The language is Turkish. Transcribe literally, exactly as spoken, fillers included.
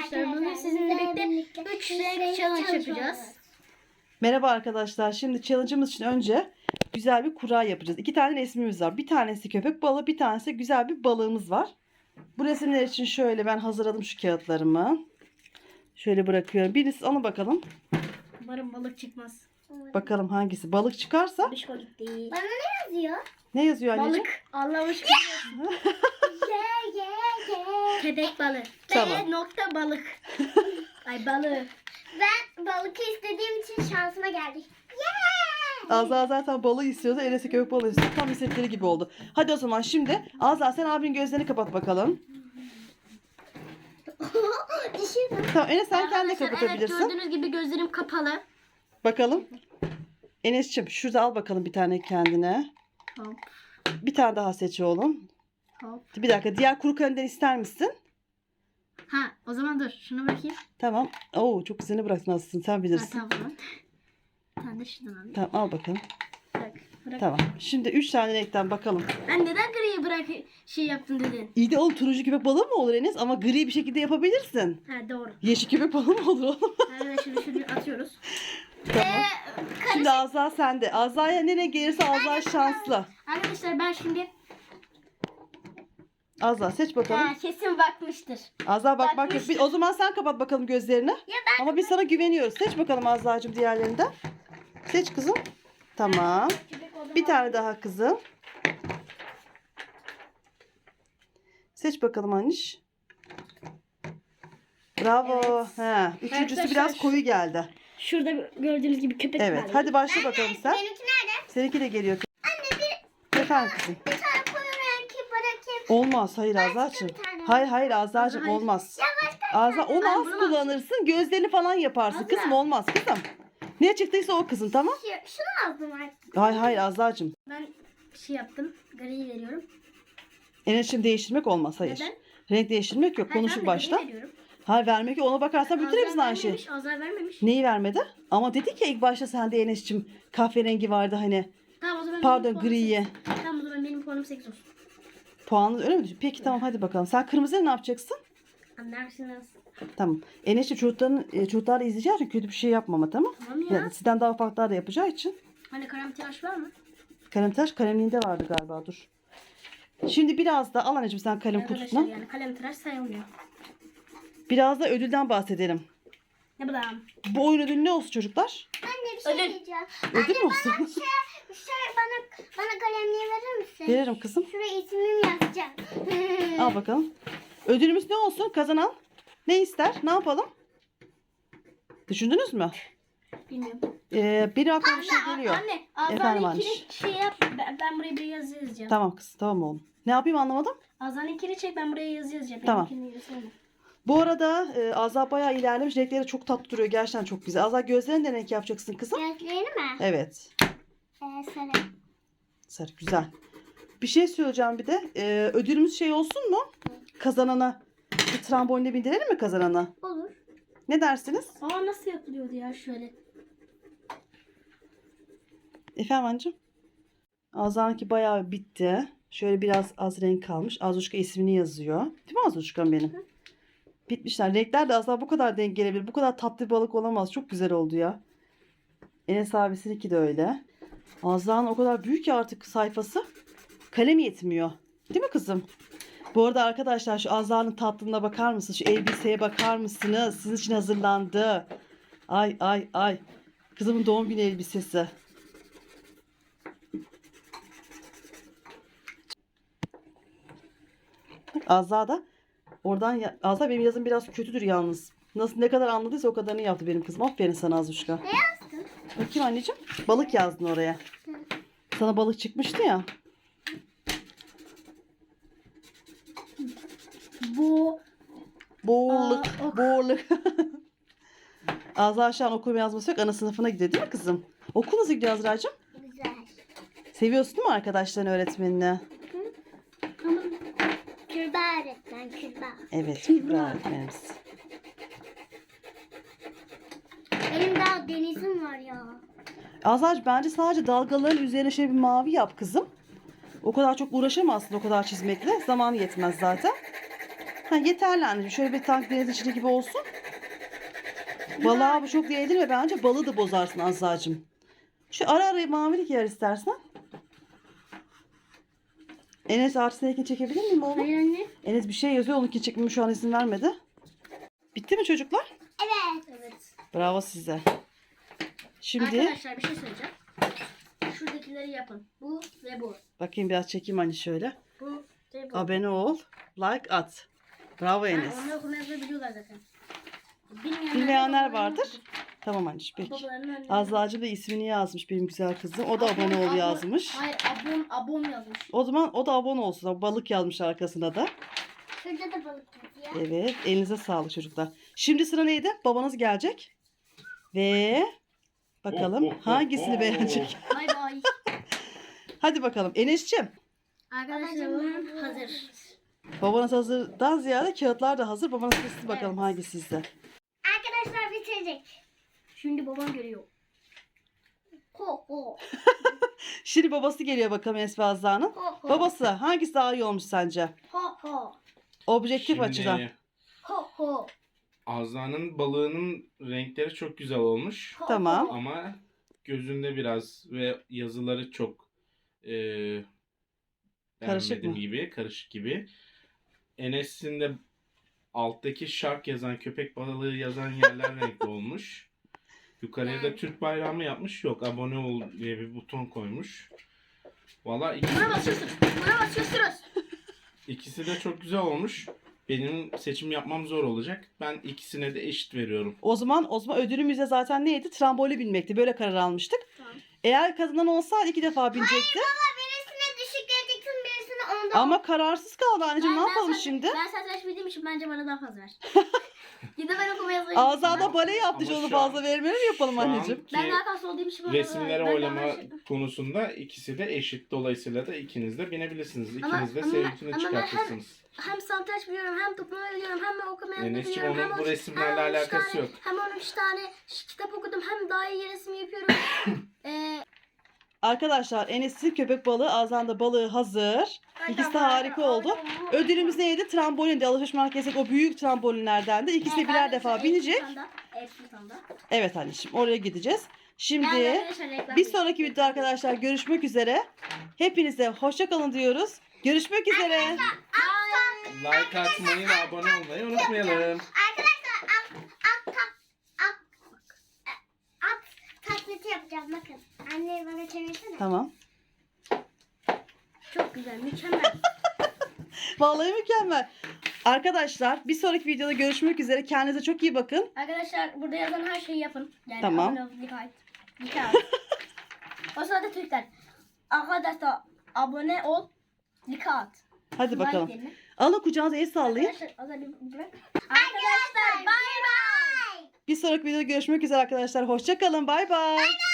arkadaşlar. Bugün sizinle birlikte üç renk challenge yapacağız. Merhaba arkadaşlar. Şimdi challenge'ımız için önce güzel bir kura yapacağız. İki tane resmimiz var. Bir tanesi köpek balığı, bir tanesi güzel bir balığımız var. Bu resimler için şöyle ben hazırladım şu kağıtlarımı. Şöyle bırakıyorum. Birisi ona bakalım. Umarım balık çıkmaz. Bakalım hangisi. Balık çıkarsa. Bişko gitti. Bana ne yazıyor? Ne yazıyor anneciğim? Balık. Allah'ım şükür. Ye ye ye. Köpek balığı. Tamam. B nokta balık. Ay balığı. Ben balık istediğim için şansıma geldi. Yeah! Azra zaten balığı istiyordu. Enes'e köpek balığı istiyor. Tam istedikleri gibi oldu. Hadi o zaman şimdi Azra sen abinin gözlerini kapat bakalım. Düşürdüm. Tamam Enes sen kendine Arkadaşlar, kapatabilirsin. Evet, gördüğünüz gibi gözlerim kapalı. Bakalım. Enes'ciğim şurada al bakalım bir tane kendine. Hop Bir tane daha seç oğlum. hop. Bir dakika diğer kuru kalender ister misin? Ha o zaman dur şunu bakayım. Tamam. Oo çok güzelini bıraktın aslında sen Ha, bilirsin. tamam. Bir tane de şuradan alayım. Tamam al bakalım. Bırak. Bırak. Tamam. Şimdi üç tane renkten bakalım. Ben neden griyi bırak şey yaptın dedin? İyi de oğlum turuncu köpek balığı mı olur Enes? Ama gri bir şekilde yapabilirsin. Ha doğru. Yeşil köpek balığı mı olur oğlum? Evet şunu şunu atıyoruz. Tamam. Şimdi Azra sende. Azra'ya ne renk gelirse Azra şanslı. Arkadaşlar ben şimdi Azra seç bakalım. ha, kesin bakmıştır. Azra bak bak. bakmıştır. Bir- O zaman sen kapat bakalım gözlerini. ben- Ama biz sana güveniyoruz. Seç bakalım Azra'cığım diğerlerinden. Seç kızım. Tamam. Bir tane daha kızım. Seç bakalım Aniş. Bravo. Evet. He, üçüncüsü Arkadaşlar biraz şu- koyu geldi. Şurada gördüğünüz gibi köpek Evet. balığı. Hadi başla bakalım sen. Benimki nerede? Seninki de geliyor. Anne bir, Efendim kızım. bir tane koyu renki bırakayım. Olmaz. Hayır Azra'cığım. bir tane. Hayır hayır Azra'cığım Hayır. olmaz. Ya başka Azra onu Ben az bunu kullanırsın. Gözlerini falan yaparsın. Azra. Kızım olmaz kızım. Ne çıktıysa o kızın tamam. bir şey. Şunu aldım artık. Hayır hayır Azra'cığım. Ben bir şey yaptım. Griyi veriyorum. Enerjini değiştirmek olmaz hayır. Neden? Renk değiştirmek yok. Hayır, Konuşup ben de başla. gri veriyorum. Hayır vermek yok. Ona bakarsan bütün Azar hepsini aynı şey. vermemiş, Azar vermemiş. Neyi vermedi? Ama dedik ya ilk başta sende Enes'cim kahverengi vardı hani. Tamam o zaman Pardon benim puanım griye. sekiz. Tamam o zaman benim puanım sekiz olsun. Puanı öyle mi düşün? Peki tamam hadi bakalım. Sen kırmızıya ne yapacaksın? Anlarsınız. Tamam. Enes'cim çocukların, e, çocuklar da izleyeceği için kötü bir şey yapmama tamam. Tamam ya. Yani sizden daha ufaklar da yapacağı için. Hani kalem tıraş var mı? Kalem tıraş kalemliğinde vardı galiba dur. Şimdi biraz da al anneciğim sen kalem Arkadaşlar kutusuna. yani kalem tıraş sayılmıyor. Biraz da ödülden bahsedelim. Ne bu da? Bu oyun ödülü ne olsun çocuklar? Anne bir şey Ödül. diyeceğim. Ödül mü Anne olsun? bana şey, şey bana, bana kalemliği verir misin? Veririm kızım. Şuraya ismimi yazacağım. Al bakalım. Ödülümüz ne olsun? Kazanan ne ister? Ne yapalım? Düşündünüz mü? Bilmiyorum. Ee, benim aklıma bir şey geliyor. Anne Efendim Azar'ın Aniş. ikili şey yap. Ben, ben buraya bir yazı yazacağım. Tamam kız tamam oğlum. Ne yapayım anlamadım. Azar'ın ikili çek ben buraya yazı yazacağım. Tamam. Benimkini yazsana. Bu arada e, Azra bayağı ilerlemiş. Renkleri çok tatlı duruyor. Gerçekten çok güzel. Azra gözlerini de renk yapacaksın kızım. Gözlerini mi? Evet. Ee, sarı. Sarı güzel. Bir şey söyleyeceğim bir de. E, ödülümüz şey olsun mu? Kazanana bir trambolinle bindirelim mi kazanana? Olur. Ne dersiniz? Aa nasıl yapılıyordu ya şöyle. Efendim anneciğim? Azra'nınki bayağı bitti. Şöyle biraz az renk kalmış. Azuşka ismini yazıyor. Değil mi Azuşka'm benim? Hı. Bitmişler. Renkler de asla bu kadar denk gelebilir. Bu kadar tatlı bir balık olamaz. Çok güzel oldu ya. Enes abisininki de öyle. Azra'nın o kadar büyük ki artık sayfası. Kalem yetmiyor. Değil mi kızım? Bu arada arkadaşlar şu Azra'nın tatlılığına bakar mısınız? Şu elbiseye bakar mısınız? Sizin için hazırlandı. Ay ay ay. Kızımın doğum günü elbisesi. Azra da oradan ya- Azra benim yazım biraz kötüdür yalnız. Nasıl ne kadar anladıysa o kadarını yaptı benim kızım. Aferin sana Azuşka. Ne yazdın? Bakayım anneciğim. Balık yazdın oraya. Sana balık çıkmıştı ya. Bu Boğurluk. Aa, ok. Boğurluk. Azra şu an okuma yazması yok. Ana sınıfına gidiyor değil mi kızım? Okul nasıl gidiyor Azra'cığım? Güzel. Seviyorsun değil mi arkadaşların öğretmenini? ama Kübra öğretmen Kübra. Evet. Kübra öğretmenimiz. Benim daha denizim var ya. Azra'cığım bence sadece dalgaların üzerine şöyle bir mavi yap kızım. O kadar çok uğraşamazsın o kadar çizmekle. Zaman yetmez zaten. Ha, yeterli anneciğim. Şöyle bir tank deniz içinde gibi olsun. Balığa bu çok değdirme. Bence balığı da bozarsın Azra'cığım. Şu ara ara mavilik yer istersen. Enes artısındakini çekebilir miyim oğlum? Hayır anne. Enes bir şey yazıyor. Onunki çekmemi şu an izin vermedi. Bitti mi çocuklar? Evet. Evet. Bravo size. Şimdi Arkadaşlar bir şey söyleyeceğim. Şuradakileri yapın. Bu ve bu. bakayım biraz çekeyim hani şöyle. Bu ve bu. Abone ol. Like at. Bravo Ha, Enes. onlar okuma yazmayı biliyorlar zaten. Bilmeyenler, Bilmeyenler de vardır. Tamam anneciğim peki. Babalarının önüne- Azra'cığım da ismini yazmış benim güzel kızım. O da Abon- abone ol abon- yazmış. Hayır abon abon yazmış. O zaman o da abone olsun. Balık yazmış arkasına da. Şurada da balık yazıyor. Evet. Elinize sağlık çocuklar. Şimdi sıra neydi? Babanız gelecek. Ve bakalım Oh, oh, oh, hangisini oh. beğenecek. Bay bay. Hadi bakalım. Enes'ciğim. Arkadaşlar babam hazır. Babanız hazırdan ziyade kağıtlar da hazır. Babanız seçsin bakalım Evet. hangisi sizde. Arkadaşlar bitirecek. Şimdi babam görüyor. Ho ho. Şimdi babası geliyor bakalım Enes ve Azra'nın. Ho ho. Babası hangisi daha iyi olmuş sence? Ho ho. Objektif açıdan. Şimdi Ho ho. Azra'nın balığının renkleri çok güzel olmuş. Ho, Tamam. ho. Ama gözünde biraz ve yazıları çok e, Karışık beğenmedim mı? gibi, karışık gibi. Enes'in de alttaki shark yazan, köpek balığı yazan yerler renkli olmuş. Yukarıya da Türk bayrağı mı yapmış? Yok, abone ol diye bir buton koymuş. Valla ikisi, Buna basıyorsun. Buna basıyorsunuz. ikisi de çok güzel olmuş. Benim seçim yapmam zor olacak. Ben ikisine de eşit veriyorum. O zaman o zaman ödülümüz de zaten neydi? Trambolü binmekti. Böyle karar almıştık. Tamam. Eğer kazanan olsaydı iki defa binecekti. Baba birisine düşük vereceksin birisine onda. Ama kararsız kaldı anneciğim. Ne Ben- yapalım ben şimdi? Ben satranç bildiğim için bence bana daha fazla ver. Gidip ben okuma yazmayı Azada bale yaptı. Ama onu şu an- fazla vermeli mi yapalım Şu anneciğim? anki Ben daha fazla olduğum için bana resimlere ben oylama daha şey- konusunda ikisi de eşit. Dolayısıyla da ikiniz de binebilirsiniz. Ama- İkiniz de ama- seninkini ama ben hem- çıkartırsınız. Hem satranç biliyorum, hem toplama biliyorum, hem okuma yazmayı Enes'ciğim, biliyorum. onun hem bu on- resimlerle hem on üç alakası tane- yok. Hem on üç tane ş- kitap okudum, hem daha iyi resim yapıyorum. Ee, Arkadaşlar Enes'in köpek balığı, Azan'da balığı hazır. İkisi de harika oldu. Ödülümüz neydi? Trambolin de alışveriş merkezindeki o büyük trambolinlerden de. İkisi de birer defa binecek. Evet anneciğim oraya gideceğiz. Şimdi bir sonraki videoda arkadaşlar görüşmek üzere. Hepinize hoşça kalın diyoruz. Görüşmek üzere. Like atmayı ve abone olmayı unutmayalım. Arkadaşlar at at tak at at taklidi yapacağım bakın. Anne bana çevirsene. Tamam. Çok güzel, mükemmel. Vallahi mükemmel. Arkadaşlar bir sonraki videoda görüşmek üzere. Kendinize çok iyi bakın. Arkadaşlar burada yazan her şeyi yapın. Yani Tamam. abone ol, like at. Like at. O sırada Türkler. Arkadaşlar abone ol, like at. Hadi Like bakalım. diyelim. Alın kucağınıza el sallayın. Arkadaşlar, o zaman bir bırak. Arkadaşlar bay bay. Bir sonraki videoda görüşmek üzere arkadaşlar. Hoşça kalın. Bay bay.